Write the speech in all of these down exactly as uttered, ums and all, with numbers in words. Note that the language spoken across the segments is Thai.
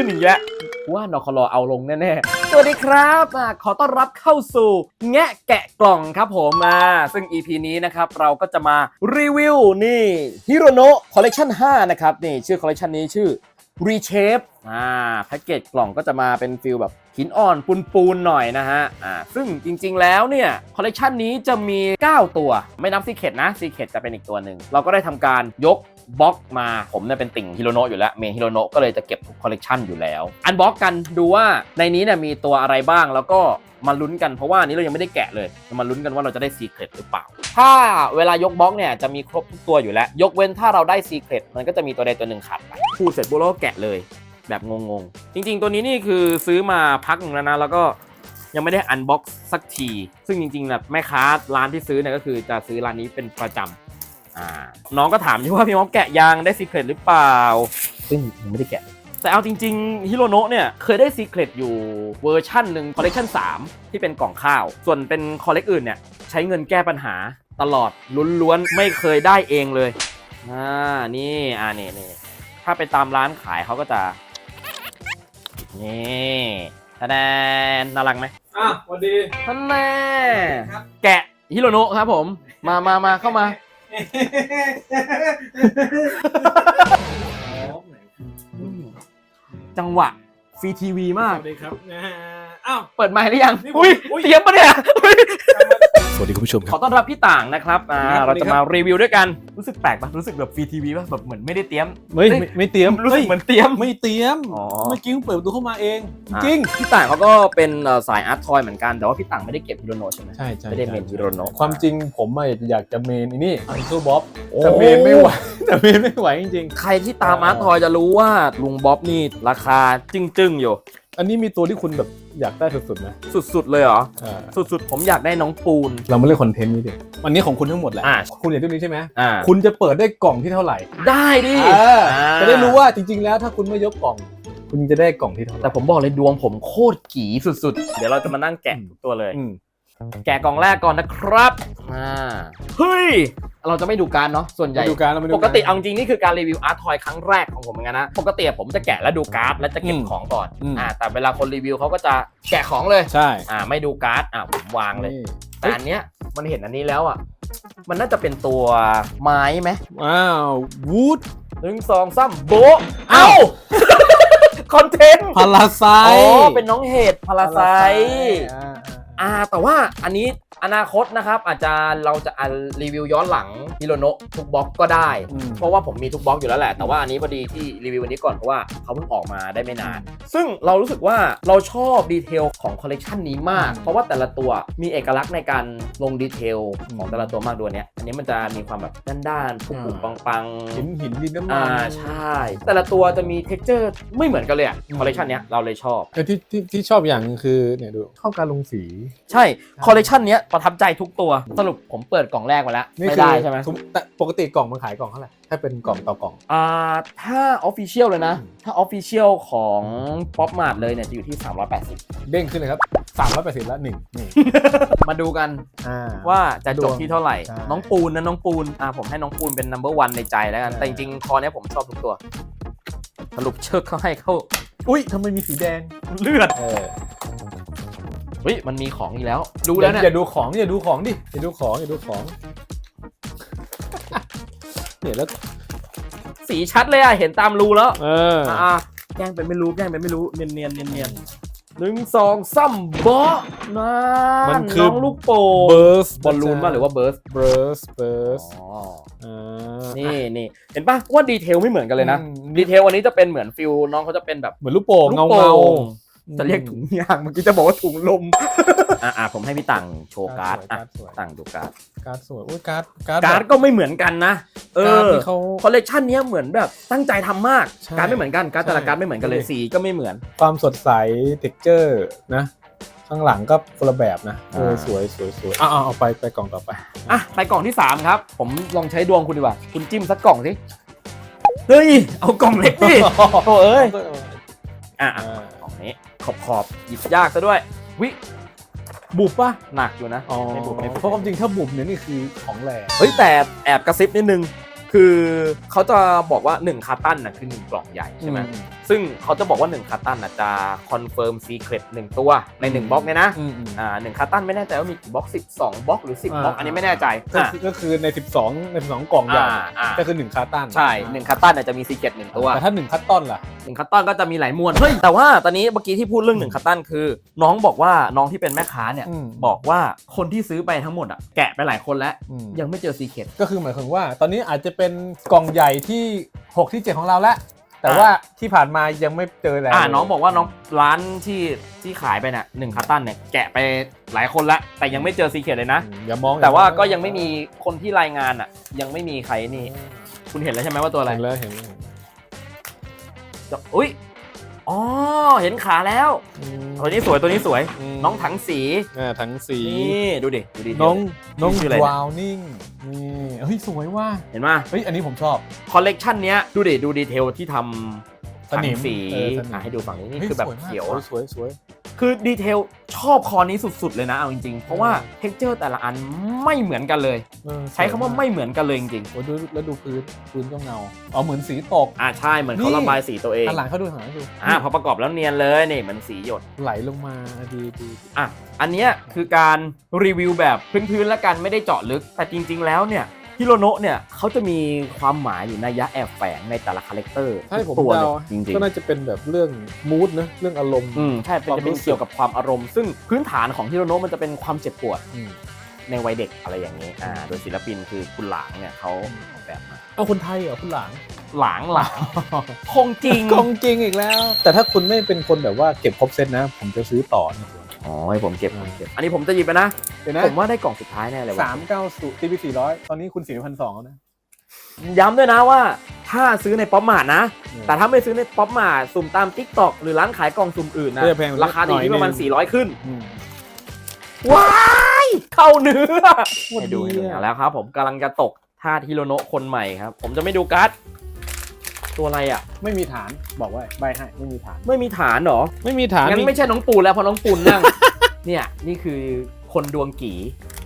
นอีกแล้วว่านคลเอาลงแน่ๆสวัสดีครับขอต้อนรับเข้าสู่แงะแกะกล่องครับผมอ่าซึ่ง อี พี นี้นะครับเราก็จะมารีวิวนี่ฮิโรโนะคอลเลคชันห้านะครับนี่ชื่อคอลเลคชันนี้ชื่อ Reshape อ่าแพ็กเกจกล่องก็จะมาเป็นฟิลแบบหินอ่อนปูนๆหน่อยนะฮะอ่าซึ่งจริงๆแล้วเนี่ยคอลเลคชันนี้จะมีเก้าตัวไม่นับซีเคร็ตนะซีเคร็ตจะเป็นอีกตัวหนึ่งเราก็ได้ทำการยกบล็อกมาผมเนี่ยเป็นติ่งฮิโรโนะอยู่แล้วเมนฮิโรโนะก็เลยจะเก็บทุกคอลเลกชันอยู่แล้วอันบล็อกกันดูว่าในนี้เนี่ยมีตัวอะไรบ้างแล้วก็มาลุ้นกันเพราะว่านี้เรายังไม่ได้แกะเลยมาลุ้นกันว่าเราจะได้ซีเคร็ตหรือเปล่าถ้าเวลายกบล็อกเนี่ยจะมีครบทุกตัวอยู่แล้วยกเว้นถ้าเราได้ซีเคร็ตมันก็จะมีตัวใดตัวหนึ่งขาดไปพูดเสร็จปุ๊บเราก็แกะเลยแบบงงๆจริงๆตัวนี้นี่คือซื้อมาพักนึงแล้วนะแล้วก็ยังไม่ได้อันบ็อกซ์สักทีซึ่งจริงๆแบบแม่ค้าร้านที่ซื้อเนี่ยก็คือจะซื้อร้านนี้เป็นประจำอ่าน้องก็ถามอยู่ว่าพี่ม็อบแกะยังได้ซีเคร็ตหรือเปล่าซึ่งยังไม่ได้แกะแต่เอาจริงๆฮิโรโนะเนี่ยเคยได้ซีเคร็ตอยู่เวอร์ชั่นหนึ่งคอลเลคชันสามที่เป็นกล่องข้าวส่วนเป็นคอลเลกอื่นเนี่ยใช้เงินแก้ปัญหาตลอดล้วนๆไม่เคยได้เองเลยอ่านี่อ่านี่นี่ถ้าไปตามร้านขายเขาก็จะนี่ทะแนนน่ารักไหมอ่ะสวัสดีท่านแม่แกะฮิโรโนะครับผมมามามาเข้ามาจังหวะฟรีทีวีมากสวัสดีครับอ้าวเปิดไมค์หรือยังอุ้ยเตรียมปะเนี่ยสวัสดีคุณผู้ชมขอต้อนรับพี่ต่างนะครับอ่าเราจะมารีวิวด้วยกันรู้สึกแปลกปะรู้สึกแบบฟรีทีวีป่ะแบบเหมือนไม่ได้เตรียมไม่ไม่เตรียมรู้สึกเหมือนเตรียมไม่เตรียมเมื่อกี้เปิดประตูเข้ามาเองจริงพี่ต่างเขาก็เป็นสายอาร์ตทอยเหมือนกันแต่ว่าพี่ต่างไม่ได้เก็บฮิโรโนะใช่ไหมใช่ใช่ไม่ได้เมนฮิโรโนะความจริงผมอยากจะเมนนี่อันซูบ๊อบแต่เมนไม่ไหวแต่เมนไม่ไหวจริงๆใครที่ตามอาร์ตทอยจะรู้ว่าลุงบ๊อบนี่ราคาจึ้งๆอยู่อันนี้มีตัวที่คุณแบบอยากได้สุดๆไหมสุดๆเลยเหรอสุดๆผมอยากได้น้องปูนเรามาเล่นคอนเทนต์นี้ดิวันนี้ของคุณทั้งหมดแหละคุณอยากได้นี้ใช่ไหมอ่าคุณจะเปิดได้กล่องที่เท่าไหร่ได้ดิจะได้รู้ว่าจริงๆแล้วถ้าคุณไม่ยกกล่องคุณจะได้กล่องที่เท่าไหร่แต่ผมบอกเลยดวงผมโคตรกี่สุดๆเดี๋ยวเราจะมานั่งแกะทุกตัวเลยแกะกล่องแรกก่อนนะครับอ่าเฮ้ยเราจะไม่ดูการเนาะส่วนใหญ่ปกติเอาจริงนี่คือการรีวิวอาร์ตทอยครั้งแรกของผมเหมือนกันนะปกติผมจะแกะแล้วดูการ์ดแล้วจะเก็บของก่อนอ่าแต่เวลาคนรีวิวเขาก็จะแกะของเลยใช่อ่าไม่ดูการ์ดอ่าผมวางเลยแต่อันเนี้ยมันเห็นอันนี้แล้วอ่ะมันน่าจะเป็นตัวไม้ไหมว้าววูดหนึ่งสองสามโบเอ้าคอนเทนต์พาราไซอ๋อเป็นน้องเห็ดพาราไซอ่าแต่ว่าอันนี้อนาคตนะครับอาจจะเราจะรีวิวย้อนหลังฮิโรโนะทุกบล็อกก็ได้เพราะว่าผมมีทุกบล็อกอยู่แล้วแหละแต่ว่าอันนี้พอดีที่รีวิววันนี้ก่อนเพราะว่าเขาเพิ่งออกมาได้ไม่นานซึ่งเรารู้สึกว่าเราชอบดีเทลของคอลเลกชันนี้มากเพราะว่าแต่ละตัวมีเอกลักษณ์ในการลงดีเทลของแต่ละตัวมากด้วยเนี้ยอันนี้มันจะมีความแบบด้านๆปุบๆปังๆหินหินดินน้ำมันอ่าใช่แต่ละตัวจะมีเท็กเจอร์ไม่เหมือนกันเลยอะคอลเลกชันนี้เราเลยชอบแต่ที่ที่ที่ชอบอย่างนึงคือเนี่ยดูเข้าการลงสีใช่คอลเลกชันนี้ประทับใจทุกตัวสรุปผมเปิดกล่องแรกมาแล้วไม่ได้ใช่ไหมแต่ปกติกล่องมันขายกล่องเท่าไหร่ถ้าเป็นกล่องต่อกล่องอ่าถ้าออฟฟิเชียลเลยนะถ้าออฟฟิเชียลของป๊อปมาร์ทเลยเนี่ยจะอยู่ที่สามร้อยแปดสิบเด้งขึ้นเลยครับสามร้อยแปดสิบแล้วหนึ่งนี่มาดูกันว่าจะจบที่เท่าไหร่น้องปูนนะน้องปูนอ่าผมให้น้องปูนเป็น นัมเบอร์ วันในใจแล้วกันแต่จริงๆคอเนี้ยผมชอบทุกตัวสรุปเชิกเขาให้เขาอุ้ยทำไมมีสีแดงเลือดเฮ้ยมันมีของอีกแล้วดูแล้วเนี่ยอย่าดูของอย่าดูของดิอย่าดูของอย่าดูของเนี่ยแล้วสีชัดเลยอะเห็นตามรูแล้วเอออ่ะแกล้งเป็นไม่รู้แกล้งเป็นไม่รู้เนียนเนียนเนียนเนียนหนึ่งสองซ้ำเบาะนะมันคือน้องลูกโป่งเบิร์สบอลลูนป่ะหรือว่าเบิร์สเบิร์สเบิร์สอ๋อนี่นี่เห็นป่ะว่าดีเทลไม่เหมือนกันเลยนะดีเทลวันนี้จะเป็นเหมือนฟิลน้องเขาจะเป็นแบบเหมือนลูกโป่งเงาเงาจะเรียกถุงยางเมื่อกี้จะบอกว่าถุงลมอ่ะอ่ะผมให้พี่ต่างโชว์การ์ดอ่ะต่างดูการ์ดการ์ดสวยโอ้ยการ์ดการ์ดการ์ดก็ไม่เหมือนกันนะเออคอลเลกชันนี้เหมือนแบบตั้งใจทำมากการ์ดไม่เหมือนกันการ์ดแต่ละการ์ดไม่เหมือนกันเลยสีก็ไม่เหมือนความสดใสเท็กเจอร์นะข้างหลังก็คนละแบบนะเออสวยสวยสวยอ่ะเอาไปไปกล่องต่อไปอ่ะไปกล่องที่สามครับผมลองใช้ดวงคุณดีกว่าคุณจิ้มสักกล่องสิเฮ้ยเอากล่องเล็กดิโอ้เอ้ยอ่ะกล่องนี้ขอบขอบหยิบยากซะด้วยวิบุบป่ะหนักอยู่นะไม่บุบเพราะความจริงถ้าบุบเนี่ยนี่คือของแรงเฮ้ยแต่แอบกระซิบนิดนึงคือเขาจะบอกว่าหนึ่งคาร์ตันนะคือหนึ่งกล่องใหญ่ใช่ไหมซึ่งเขาจะบอกว่าหนึ่งคาร์ตันจะคอนเฟิร์มซีเครตหนึ่งตัวในหนึ่งบล็อกเนี่ยนะอ่าหนึ่งคาร์ตันไม่แน่ใจว่ามีกี่บล็อกสิบสองบล็อกหรือสิบบล็อกอันนี้ไม่แน่ใจก็คือในสิบสองในสิบสองกล่องใหญ่ก็คือหนึ่งคาร์ตันใช่หนึ่งคาร์ตันจะมีซีเครตหนึ่งตัวแต่ถ้าหนึ่งคัตตอนล่ะหนึ่งคัตตันก็จะมีหลายมวลเฮ้ยแต่ว่าตอนนี้เมื่อกี้ที่พูดเรื่องหนึ่งคัตตันคือน้องบอกว่าน้องที่เป็นแม่ค้าเนี่ยบอกว่าคนที่ซื้อไปทั้งหมดอ่ะแกะไปหลายคนแล้วยังไม่เจอซีเครตก็คือหมายถึงว่าตอนนี้อาจจะเป็นกล่องใหญ่ที่หกที่เจ็ดของเราแล้วแต่ว่าที่ผ่านมายังไม่เจอแล้วอ่าน้องบอกว่าน้องร้านที่ที่ขายไปเนี่ยหนึ่งคัตตันเนี่ยแกะไปหลายคนแล้วแต่ยังไม่เจอซีเครตเลยนะอย่ามองแต่ว่าก็ยังไม่มีคนที่รายงานอ่ะยังไม่มีใครนี่คุณเห็นแล้วใช่ไหมว่าตัวอะไรเห็นแล้วเห็นแล้วอุ้ยอ๋อเห็นขาแล้วตัวนี้สวยตัวนี้สวยน้องถังสีอ่าถังสีนี่ดูดิดูดิน้องน้องวาวนิ่งนี่เฮ้ยสวยว่ะเห็นไหมเฮ้ยอันนี้ผมชอบคอลเลกชันเนี้ยดูดิดูดีเทลที่ทำถังสีให้ดูฝั่งนี้นี่คือแบบเขียวสวยสวยคือดีเทลชอบคอนี้สุดๆเลยนะเอาจริงๆเพราะว่าเท็กเจอร์แต่ละอันไม่เหมือนกันเลยใช้คำว่าไม่เหมือนกันเลยจริงๆโอ้ดูแล้วดูพื้นพื้นก็เงาอ๋อเหมือนสีตกอ่าใช่เหมือนเขาระบายสีตัวเองหลังเขาดูหลังดูอ่าพอประกอบแล้วเนียนเลยนี่เหมือนสีหยดไหลลงมาดีดีอ่ะอันนี้คือการรีวิวแบบพื้นๆแล้วกันไม่ได้เจาะลึกแต่จริงๆแล้วเนี่ยฮิโรโนะเนี่ยเขาจะมีความหมายอยู่ในยะแอบแฝงในแต่ละคาแรคเตอร์ตัวเลยจริงๆก็น่าจะเป็นแบบเรื่องมูดนะเรื่องอารมณ์อืมใช่เป็นจะเป็นเกี่ยวกับความอารมณ์ซึ่งพื้นฐานของฮิโรโนะมันจะเป็นความเจ็บปวดในวัยเด็กอะไรอย่างนี้อ่าโดยศิลปินคือคุณหลางเนี่ยเขาออกแบบมาเอาคนไทยเหรอคุณหลางหลางหลางคงจริงคงจริงอีกแล้วแต่ถ้าคุณไม่เป็นคนแบบว่าเก็บครบเซตนะผมจะซื้อต่อนะอ๋อให้ผมเก็บผมเก็บอันนี้ผมจะหยิบไปนะผมว่าได้กล่องสุดท้ายแน่เลยว่าสามเก้าสูตีพีสี่ร้อยตอนนี้คุณสี่พันสองนะย้ำด้วยนะว่าถ้าซื้อในป๊อปมาร์ทนะแต่ถ้าไม่ซื้อในป๊อปมาร์ทสุ่มตาม ติ๊กต็อก หรือร้านขายกล่องสุ่มอื่นนะราคาอยู่ที่ประมาณสี่ร้อยขึ้นว้ายเข้าเนื้อให้ดูแล้วครับผมกำลังจะตกท่าฮิโรโนะคนใหม่ครับผมจะไม่ดูการ์ดตัวอะไรอ่ะไม่มีฐานบอกว่าใบให้ไม่มีฐานไม่มีฐานหรอไม่มีฐานงั้นไม่ใช่น้องปูนแล้วเพราะน้องปูนนั่งเนี่ยนี่คือคนดวงกี่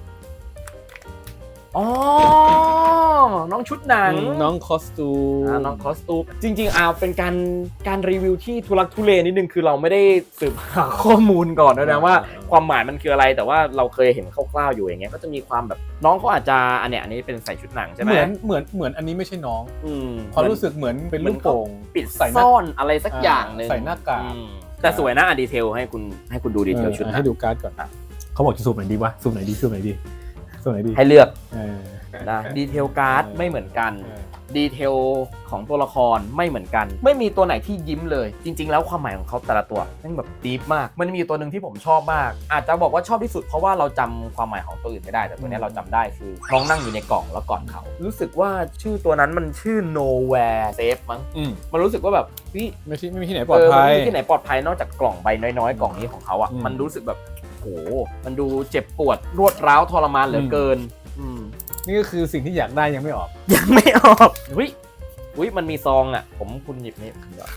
อ๋อน้องชุดหนังน้องคอสตูมน้องคอสตูมจริงๆเอาเป็นการการรีวิวที่ทุลักทุเลนิดนึงคือเราไม่ได้สืบหาข้อมูลก่อนนะว่าความหมายมันคืออะไรแต่ว่าเราเคยเห็นคร่าวๆอยู่อย่างเงี้ยก็จะมีความแบบน้องเขาอาจจะอันเนี้ยอันนี้เป็นใส่ชุดหนังใช่ไหมเหมือนเหมือนเหมือนอันนี้ไม่ใช่น้องพอรู้สึกเหมือนเป็นลูกโป่งปิดซ่อนอะไรสักอย่างนึงใส่หน้ากากแต่สวยนะอ่ะดีเทลให้คุณให้คุณดูดีเทลชุดให้ดูการ์ดก่อนเขาบอกจะซูมไหนดีวะซูมไหนดีซูมไหนดีซูมไหนดีให้เลือกนะดีเทลการ์ดไม่เหมือนกันดีเทลของตัวละครไม่เหมือนกันไม่มีตัวไหนที่ยิ้มเลยจริงๆแล้วความหมายของเขาแต่ละตัวนั่นแบบดีฟมากมันมีตัวหนึ่งที่ผมชอบมากอาจจะบอกว่าชอบที่สุดเพราะว่าเราจำความหมายของตัวอื่นไม่ได้แต่ตัวนี้เราจำได้คือน้องนั่งอยู่ในกล่องแล้วกอดเขารู้สึกว่าชื่อตัวนั้นมันชื่อ nowhere safe มั้งมันรู้สึกว่าแบบวิไม่ใช่ไม่มีที่ไหนปลอดภัยไม่มีที่ไหนปลอดภัยนอกจากกล่องใบน้อยๆกล่องนี้ของเขาอ่ะมันรู้สึกแบบโหมันดูเจ็บปวดรวดร้าวทรมานเหลือเกินนี่ก็คือสิ่งที่อยากได้ยังไม่ออกยังไม่ออกอุ้ยอุ้ยมันมีซองอ่ะผมคุณหยิบนี่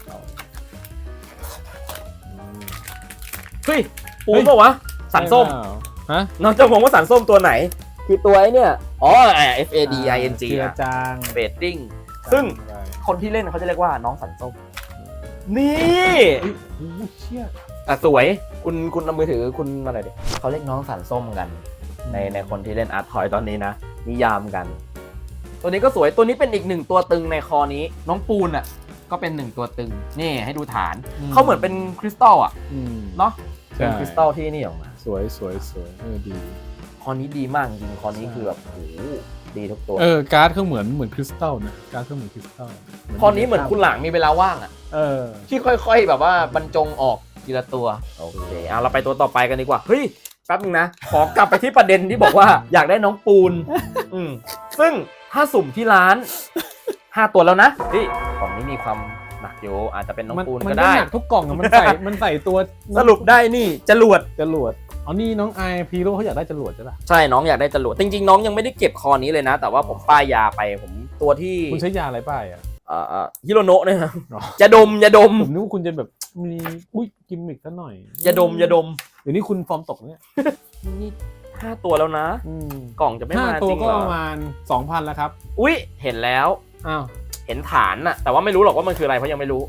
เฮ้ยปูนป่าวะสันส้มฮะน้องจะมองว่าสันส้มตัวไหนคือตัวไอ้เนี่ยอ๋อ F A D I N G อ่ะจางเบดดิ้งซึ่งคนที่เล่นเขาจะเรียกว่าน้องสันส้มนี่เชี่ยอ่ะสวยคุณคุณเอามือถือคุณมาหน่อยดิเขาเรียกน้องสันส้มกันในในคนที่เล่นอาร์ตทอยตอนนี้นะนิยามกันตัวนี้ก็สวยตัวนี้เป็นอีกหนึ่งตัวตึงในคอนี้น้องปูนอ่ะก็เป็นหนึ่งตัวตึงนี่ให้ดูฐานเขาเหมือนเป็นคริสตัลอ่ะเนาะเป็นคริสตัลที่นี่ออกมาสวยสวยสวยเออดีคอนี้ดีมากจริงคอนี้คือแบบโอ้ดีทุกตัวเออการ์ดเขาเหมือนเหมือนคริสตัลนะการ์ดเขาเหมือนคริสตัลคอนี้เหมือนคุณหลังมีเวลาว่างอ่ะเออที่ค่อยๆแบบว่าบรรจงออกทีละตัวโอเคเอาเราไปตัวต่อไปกันดีกว่าเฮ้ยแป๊บนึงนะขอกลับไปที่ประเด็นที่บอกว่าอยากได้น้องปูนอืมซึ่งถ้าสุ่มที่ร้านห้าตัวแล้วนะเฮ้ยกล่องนี้มีความหนักอยู่อาจจะเป็นน้องปูนก็ได้มันหนักทุกกล่องมันใส่มันใส่ตัวสรุปได้นี่จรวดจรวดอ๋อนี่น้องไอพีโร่เขาอยากได้จรวดใช่ป่ะใช่น้องอยากได้จรวดจริงๆน้องยังไม่ได้เก็บคอนี้เลยนะแต่ว่าผมป้ายยาไปผมตัวที่คุณใช้ยาอะไรป้ายอ่ะเอ่อฮิโรโนะเนี่ยครับจะดมจะดมผมนึกว่าคุณจะแบบมีอุ้ยกิมมิคซะหน่อยจะดมจะดมเดี๋ยวนี้คุณฟอร์มตกเนี่ยนี่หห้าตัวแล้วนะอืมกล่องจะไม่ห้ามาตัจวริงก็เหรอประมาณ สองพัน แล้วครับอุ๊ยเห็นแล้วอ้าวเห็นฐานน่ะแต่ว่าไม่รู้หรอกว่ามันคืออะไรเพราะยังไม่รู้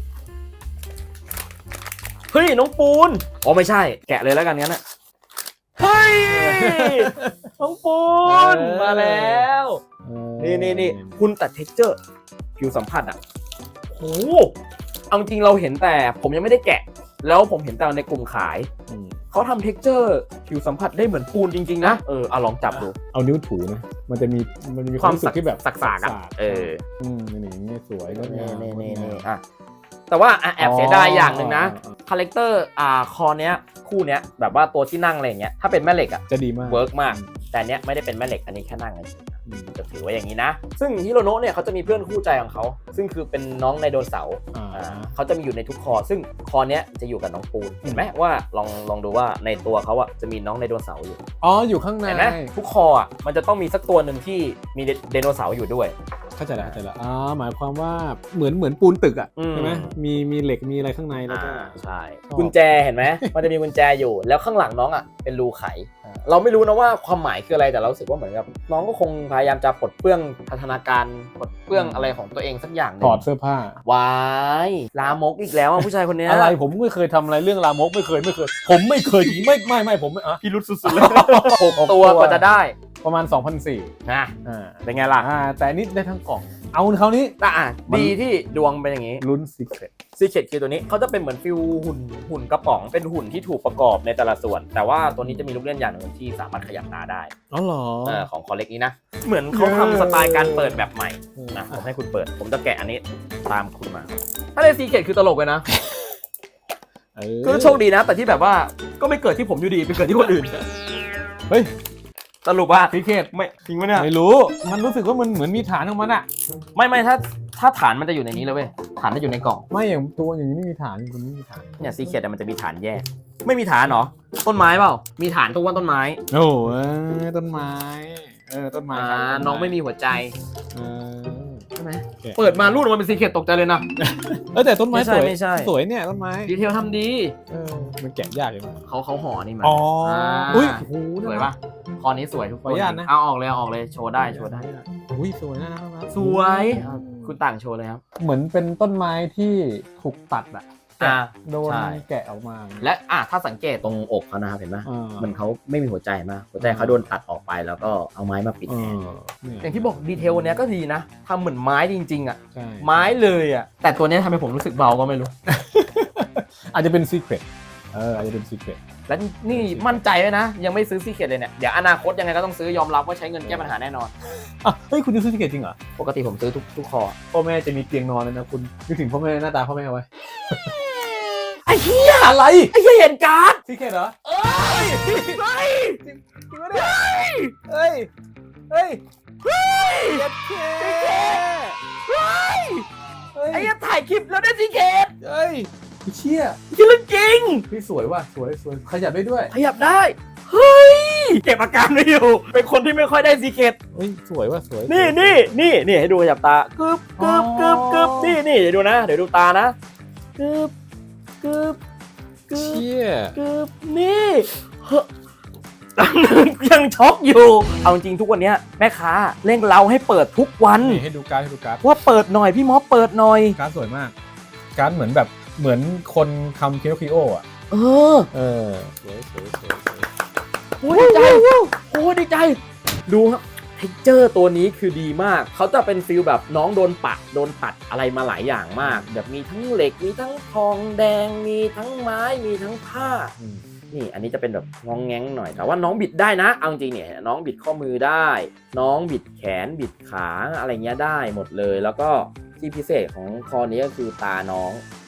เฮ้ยน้องปูนอ๋อไม่ใช่แกะเลยแล้วกันงั้นน่ะเฮ้ยน้องปูนมาแล้วนี่นี่นี่คุณตัดเท็กเจอร์ผิวสัมผัสอ่ะโอ้เอาจริงเราเห็นแต่ผมยังไม่ได้แกะแล้วผมเห็นแต่ในกลุ่มขายเขาทำเท็กเจอร์ผิวสัมผัสได้เหมือนปูนจริงๆนะเออเอาลองจับดูเอานิ้วถูนะมันจะมีมันมีความรู้สึกที่แบบสักๆอ่ะเอออืมนี่นี่สวยแล้วนี่เนี่ยนี่นี่อ่ะแต่ว่าแอบเสียดายอย่างหนึ่งนะคาแรคเตอร์อ่าคอเนี้ยคู่เนี้ยแบบว่าตัวที่นั่งอะไรอย่างเงี้ยถ้าเป็นแม่เหล็กอ่ะจะดีมากเวิร์กมากแต่เนี้ยไม่ได้เป็นแม่เหล็กอันนี้แค่นั่งกันจะถือไว้อย่างนี้นะซึ่งฮิโรโนะเนี่ยเขาจะมีเพื่อนคู่ใจของเขาซึ่งคือเป็นน้องไดโนเสาร์เขาจะมีอยู่ในทุกคอซึ่งคอเนี้ยจะอยู่กับน้องปูนเห็นไหมว่าลองลองดูว่าในตัวเขาอ่ะจะมีน้องไดโนเสาร์อยู่อ๋ออยู่ข้างในเห็นไหมทุกคออ่ะมันจะต้องมีสักตัวหนึ่งที่มีไดโนเสาร์อยู่ด้วยเข้าใจแล้วเข้าใจแล้วอ๋อหมายความว่าเหมือนเหมือนปูนตึกอ่ะอืมใช่ไหมมีมีเหล็กมีอะไรข้างในแล้วก็อ่าใช่ชอบกุญแจเห็นไหม มันจะมีกุญแจอยู่แล้วข้างหลังน้องอ่ะเป็นรูไข เราไม่รู้นะว่าความหมายคืออะไรแต่เรารู้สึกว่าเหมือนกับน้องก็คงพยายามจะปลดเปลื้องพัฒนาการปลดเปลื้องอะไรของตัวเองสักอย่างหนึถงอดเสื้อผ้าวายลามกอีกแล้วอ่ะผู้ชายคนเนี้ยอะไรผมไม่เคยทำอะไรเรื่องลามกไม่เคยไม่เคย ผมไม่เคยไม่ไม่ไม่ผมไม่อ่ะพี่รุดสุดๆเลยหกตัวกว่าจะได้ประมาณ สองพันสี่ร้อยนะอ่าเป็นไงล่ะอ่าแต่อันนี้ได้ทั้งกล่อง เอาเขานี้อ่ะดีที่ดวงเป็นอย่างนี้ลุ้นซีเครตซีเคทคือตัวนี้เขาจะเป็นเหมือนฟิวหุ่นหุ่นกระป๋องเป็นหุ่นที่ถูกประกอบในแต่ละส่วน แต่ว่าตัวนี้จะมีลูกเล่นอย่างหนึ่งที่สามารถขยับตาได้อ๋อเหรอเออของคอเล็กนี้นะเหมือนเขาทำสไตล์การเปิดแบบใหม่นะผมให้คุณเปิดผมจะแกะอันนี้ตามคุณมา ถ้าในซีเคทคือตลกเลยนะเออคือโชคดีนะ แต่ที่แบบว่าก็ไม่เกิดที่ผมอยู่ดีไปเกิดที่คนอื่นเฮ้ยสรุปว่าซีเครตไม่จริงไหมเนี่ยไม่รู้ มันรู้สึกว่ามันเหมือนมีฐานของมันอะไม่ไม่ถ้าถ้าฐานมันจะอยู่ในนี้เลยเว้ยฐานจะอยู่ในกล่องไม่อย่างตัวอย่างนี้ไม่มีฐานคุณไม่มีฐานเนี่ยซีเคทมันจะมีฐานแยก ไม่มีฐานเหรอต้นไม้เปล่ามีฐานทุกวันต้นไม้โอ้เออต้นไม้ เออต้นไม้อ่าครับน้องไม่มีหัวใจเออใช่ไหมโอเคเปิดมารูดออกมาเป็นซีเคทตกใจเลยนะเออแต่ต้นไม้ไม่ใช่สวยไม่ใช่สวยเนี่ยต้นไม้ดีเทลทำดีเออมันแกะยากเลยมั้ยเขาเขาห่อนี่มาอ๋ออ่าอุ้ยโอ้โหสวยปะคอนี้สวยทุกคขออนุญาตนะเอาออกเลยเอาออกเลยโชว์ได้โชว์ได้อุ้ยสวยนะนะนะสวยคุณต่างโชว์เลยครับเหมือนเป็นต้นไม้ที่ถูกตัดอะอ่าโดนใช่แกะออกมาและอ่ะถ้าสังเกตตรงอกเขานะครับเห็นไหมอ่ามันเขาไม่มีหัวใจมากหัวใจเขาโดนตัดออกไปแล้วก็เอาไม้มาปิดเอแทนอเนี่ยอย่างที่บอกดีเทลเนี้ยก็ดีนะทำเหมือนไม้จริงๆอ่ะใช่ไม้เลยอ่ะแต่ตัวเนี้ยทำให้ผมรู้สึกเบาก็ไม่รู้อาจจะเป็นซีเครตเอออาจจะเป็นซีเครตและนี่มั่นใจไว้นะ ยังไม่ซื้อซีเคทเลยเนี่ยเดี๋ยวอนาคตยังไงก็ต้องซื้อยอมรับว่าใช้เงินแก้ปัญหาแน่นอนอ่ะเฮ้ยคุณจะซื้อซีเครตจริงเหรอปกติผมซื้อทุกทุกคอพ่อแม่จะมีเตียงนอนเลยนะคุณนึกถึงพ่อแม่หน้าตาพ่อแม่เอาไว้ไอ้เหี้ยอะไรไอ้เหี้ยเห็นการ์ดซีเครตเหรอเอ้ยเฮ้ยจริงปะเนี่ยเฮ้ยเฮ้ยเฮ้ยเจ็ดเคเฮ้ยเฮ้ยไอ้เหี้ยถ่ายคลิปแล้วได้ซีเคทเฮ้ยเชี่ยคือเรื่องจริงพี่สวยว่ะสวยสวยขยับได้ด้วยขยับได้ เฮ้ย เก็บอาการไม่อยู่ เป็นคนที่ไม่ค่อยได้ซีเคทเฮ้ยสวยว่ะสวยนี่นี่นี่นี่ให้ดูขยับตากึบกึบกึบกึบนี่นี่เดี๋ยวดูนะ เดี๋ยวดูตานะกึบกึบกึบเชี่ยกึบนี่เฮ้ยยังช็อกอยู่ เอาจริงทุกวันเนี้ยแม่ค้าเร่งเราให้เปิดทุกวันนี่ให้ดูการ์ดให้ดูการ์ดว่าเปิดหน่อยพี่ม็อบเปิดหน่อยการ์ดสวยมาก การ์ดเหมือนแบบเหมือนคนทำคิโนคิโออ่ะเออเออสวยสวยสวยสวยโอ้ดีใจโอ้ดีใจ ดูครับเท็กเจอร์ตัวนี้คือดีมาก เขาจะเป็นฟิลแบบน้องโดนปัดโดนตัดอะไรมาหลายอย่างมาก แบบมีทั้งเหล็กมีทั้งทองแดงมีทั้งไม้มีทั้งผ้าอืมนี่อันนี้จะเป็นแบบงองแงงหน่อยแต่ว่าน้องบิดได้นะเอาจริงเนี่ยน้องบิดข้อมือได้ น้องบิดแขนบิดขาอะไรเงี้ยได้หมดเลย แล้วก็ที่พิเศษของคอนี้ก็คือตาน้อง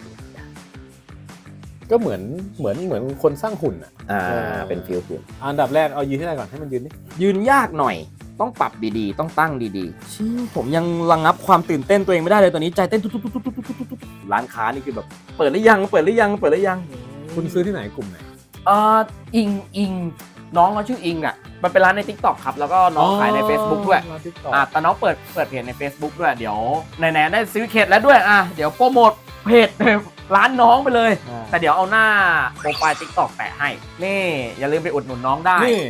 ก็เหมือนเหมือนเหมือนคนสร้างหุ่นอ่ะอ่าเออเป็นฟิลหุ่นอันดับแรกเอายืนที่ไหนก่อนให้มันยืนดิยืนยากหน่อยต้องปรับดีๆ ต้องตั้งดีๆชี้ผมยังระงับความตื่นเต้นตัวเองไม่ได้เลยตอนนี้ใจเต้นตุ๊บๆๆๆๆร้านค้านี่คือแบบเปิดหรือยังเปิดหรือยังเปิดหรือยังคุณซื้อที่ไหนกลุ่มไหนอ่าอิงอิงน้องเขาชื่ออิงอ่ะมันเป็นร้านใน TikTok ครับแล้วก็น้องขายใน Facebook ด้วยร้าน TikTok อ่ะแต่น้องเปิดเปิดเพจใน Facebook ด้วยเดี๋ยวไหนๆได้ซื้อเคสแล้วด้วยอ่ะเดี๋ยวโปรโมทเพจร้านน้องไปเลยอ่าแต่เดี๋ยวเอาหน้าโปรไฟล์ TikTok แปะให้นี่อย่าลืมไปอุดหนุนน้องได้นี่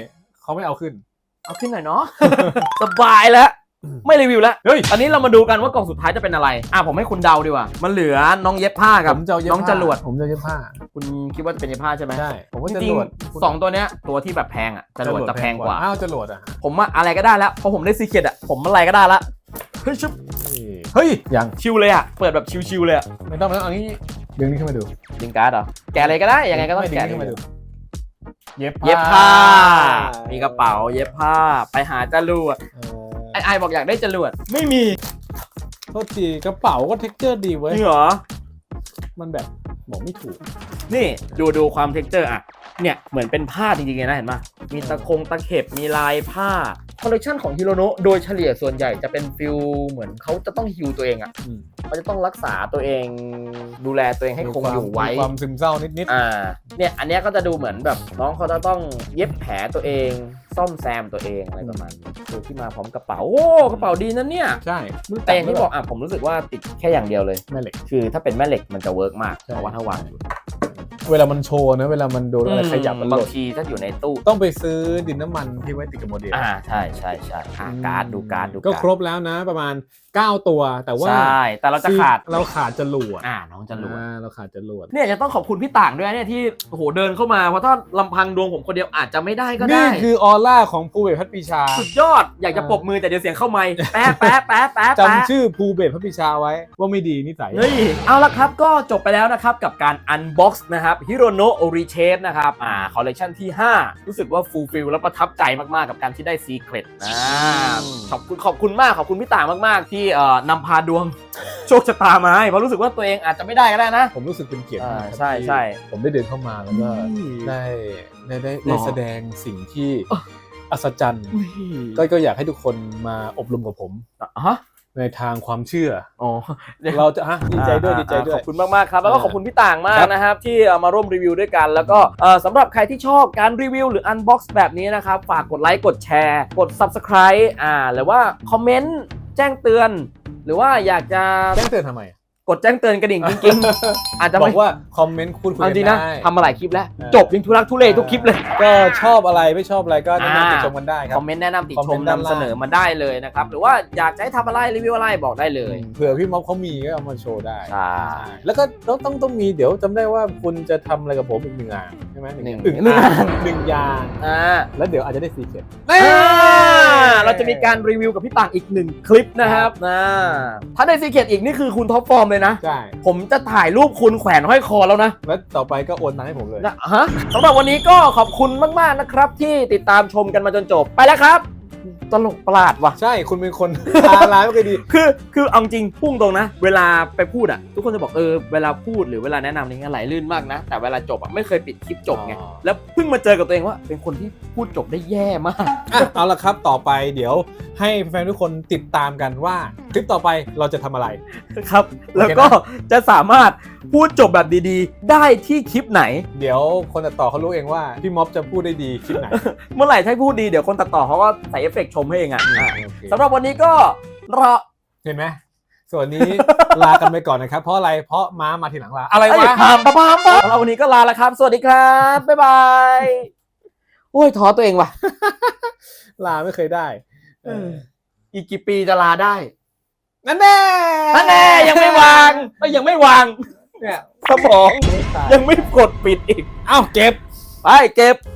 เขาไม่เอาขึ้นเอาขึ้นหน่อยเนาะ สบายแล้วไม่รีวิวแล้วเฮ้ยอันนี้เรามาดูกันว่ากล่องสุดท้ายจะเป็นอะไรอ่ะผมให้คุณเดาดีกว่ามันเหลือน้องเย็บผ้ากับผมจะเอาเย็บน้องผ้าจรวดผมจะเย็บผ้าคุณคิดว่าจะเป็นเย็บผ้าใช่ไหมใช่ผมว่าจจริงรวดๆสองตัวเนี้ยตัวที่แบบแพงอ่ะจรวดจะแพงกว่าอ้าวจรวดอ่ะผมว่าอะไรก็ได้แล้วเพราะผมได้ซีเคร็ตอ่ะผมอะไรก็ได้ละเฮ้ยชุบเฮ้ยยังชิวเลยอ่ะเปิดแบบชิวๆเลยอ่ะไม่ต้องไม่ต้องเอางี้ดึงนี่ขึ้นมาดูดึงการ์ดเหรอแกะอะไรก็ได้ยังไงก็ต้องไม่ดึงแกะนี่ขึ้นมาดูเย็บเย็บผ้า มีกระเป๋าเย็บผ้าไปหาจรวดเออไอไอบอกอยากได้จรวดไม่มีโทษทีกระเป๋าก็เท็กเจอร์ดีเว้ยจริงเหรอมันแบบบอกไม่ถูกนี่ดูดูความเท็กเจอร์อ่ะเนี่ยเหมือนเป็นผ้าจริงๆเลยนะเห็นปะมีตะคงตะเข็บมีลายผ้าคอลเลคชันของฮิโรโนะโดยเฉลี่ยส่วนใหญ่จะเป็นฟิลเหมือนเขาจะต้องฮิวตัวเองอ่ะอืมเขาจะต้องรักษาตัวเองดูแลตัวเองให้คงอยู่ไว้มีความซึมเศร้านิดอ่าเนี่ยอันเนี้ยก็จะดูเหมือนแบบน้องเขาจะต้องเย็บแผลตัวเองซ่อมแซมตัวเองอะไรประมาณนี้คือที่มาพร้อมกระเป๋าโอ้กระเป๋าดีนะเนี่ยๆ ใช่แต่อย่างที่บอกอ่ะผมรู้สึกว่าติดแค่อย่างเดียวเลยแม่เหล็กคือถ้าเป็นแม่เหล็กมันจะเวิร์กมากใช่เพราะว่าถ้าวางอยู่เวลามันโชว์นะเวลามันโดนอะไรขยับมันหบางล่นทีถ้าอยู่ในตู้ต้องไปซื้อดินน้ำมันที่ไว้ติดกับโมเดลอ่าใช่ใช่ใช่อ่าการ์ดดูการ์ดดูก็การ์ดครบแล้วนะประมาณเก้าตัวแต่ว่าใช่แต่เราจะขาดเราขาดจรวดอ่าน้องจะรวดอ่าเราขาดจรวดเนี่ยจะต้องขอบคุณพี่ต่างด้วยเนี่ยที่โอ้โหเดินเข้ามาเพราะถ้าลำพังดวงผมคนเดียวอาจจะไม่ได้ก็ได้นี่คือออร่าของภูเบศรพัฒปีชาสุดยอดอยากจะปรบมือแต่เดี๋ยวเสียงเข้าไมค์แป๊ะแป๊ะแป๊ะแป๊ะแป๊ะจำชื่อภูเบศรพัฒปีชาไว้ว่าไม่ดีนิสัยเฮ้ยเอาละครับก็จบไปแล้วนะครับกับการ unbox นะครับฮิโรโนะ Orichat นะครับอ่าคอลเลคชันที่ห้ารู้สึกว่าฟูลฟิลและประทับใจมากๆกับการที่ได้ Secret นะขอบคุณขอบคุณมากขอบคุณพี่ต่างมากๆที่เอ่อนำพาดวง โชคชะตามาให้เพราะรู้สึกว่าตัวเองอาจจะไม่ได้ก็ได้นะผมรู้สึกเป็นเกียรติมากอ่าครับใช่ที่ใช่ผมได้เดินเข้ามาแล้วก็ได้ได้ได้หรอได้แสดงสิ่งที่เอ้ออัศจรรย์ก็ก็อยากให้ทุกคนมาอบรมกับผมฮะในทางความเชื่ออ๋อเราจะฮะดีใจด้วยอ่าดีใจด้วขยอบคุณมากๆครับแล้วก็ขอบคุณพี่ต่างมากครับนะครับที่เอ่อมาร่วมรีวิวด้วยกัน แล้วก็เอ่อสำหรับใครที่ชอบการรีวิวหรือ unbox แบบนี้นะครับฝากกดไลค์กดแชร์ กด subscribe อ่าหรือว่าคอมเมนต์แจ้งเตือน หรือว่าอยากจะแจ้งเตือนทำไมกดแจ้งเตือนกระดิ่งกิ๊งๆ อาจจะบไม่อกว่าคอมเมนต์พูดคุยเอากัจรินงนะได้ทำมาหลายคลิปแล้วเออจบยังทุรักทุเลทุกคลิปเลยก็ชอบอะไรไม่ชอบอะไรก็แนะนำติชมกันได้ครัคบอมเมนต์แนะนำติคอมชเมมนต์ด้านนำล่างเสนอมาได้เลยนะครับหรือว่าอยากจะให้ทำอะไรรีวิวอะไรบอกได้เลยเผื่อพี่ม็อบเขามีก็เอามาโชว์ได้ใช่แล้วก็ต้องต้องต้องมีเดี๋ยวจำได้ว่าคุณจะทำอะไรกับผมอีกหนึ่งอย่างใช่ไหมหนึ่งหนึ่งหนึ่งอ่างหนึ่งอย่างอ่าแล้วเดี๋ยวอาจจะได้ซีเคร็ตอ่าเราจะมีการรีวิวกับพี่ต่างอีกหนึ่งคลิปนะครับนะถ้าได้ซีเคร็ตอีกนี่คือคุณท็อปฟอร์มเลยนะใช่ผมจะถ่ายรูปคุณแขวนห้อยคอแล้วนะแล้วต่อไปก็โอนตังค์ให้ผมเลยนะฮะสำหรับวันนี้ก็ขอบคุณมากๆนะครับที่ติดตามชมกันมาจนจบไปแล้วครับ ตลกประหลาดว่ะใช่คุณเป็นคน ตาร้ายไม่เคยดีคือคือเอาจริงพุ่งตรงนะ เวลาไปพูดอ่ะ ทุกคนจะบอกเออเวลาพูดหรือเวลาแนะนำอะไรเงี้ยไหลลื่นมากนะ แต่เวลาจบอ่ะไม่เคยปิดคลิปจบไงอ๋อแล้วเพิ่งมาเจอกับตัวเองว่า เป็นคนที่พูดจบได้แย่มากอ่ะเอาละครับต่อไปเดี๋ยวให้แฟนๆทุกคนติดตามกันว่าคลิปต่อไปเราจะทำอะไรครับ แล้วก็จะสามารถพูดจบแบบดีๆ ได้ที่คลิปไหนเดี๋ยวคนตัดต่อเขารู้เองว่าพี่ม็อบจะพูดได้ดีคลิปไหนเมื่อไหร่ถ้าพูดดีเดี๋ยวคนตัดต่อเขาก็ใส่เอฟเฟกต์ชมให้เองอ่ะอ่ะโอเคสำหรับวันนี้ก็รอเห็นไหมส่วนนี้ ลากันไปก่อนนะครับ เพราะอะไรเพราะม้ามาทีหลังลาอะไรเอ้ยวะพามปะพามปะสำหรับวันนี้ก็ลาแล้วครับ สวัสดีครับ บ๊ายบาย โอ้ยท้อตัวเองว่ะลาไม่เคยได้เออ อีกกี่ปีจะลาได้นั่นแน่นั่นแน่ยังไม่วางเอ้ยยังไม่วางเนี่ยสมองไม่ตายยังไม่กดปิดอีกเอ้าเก็บไปเก็บ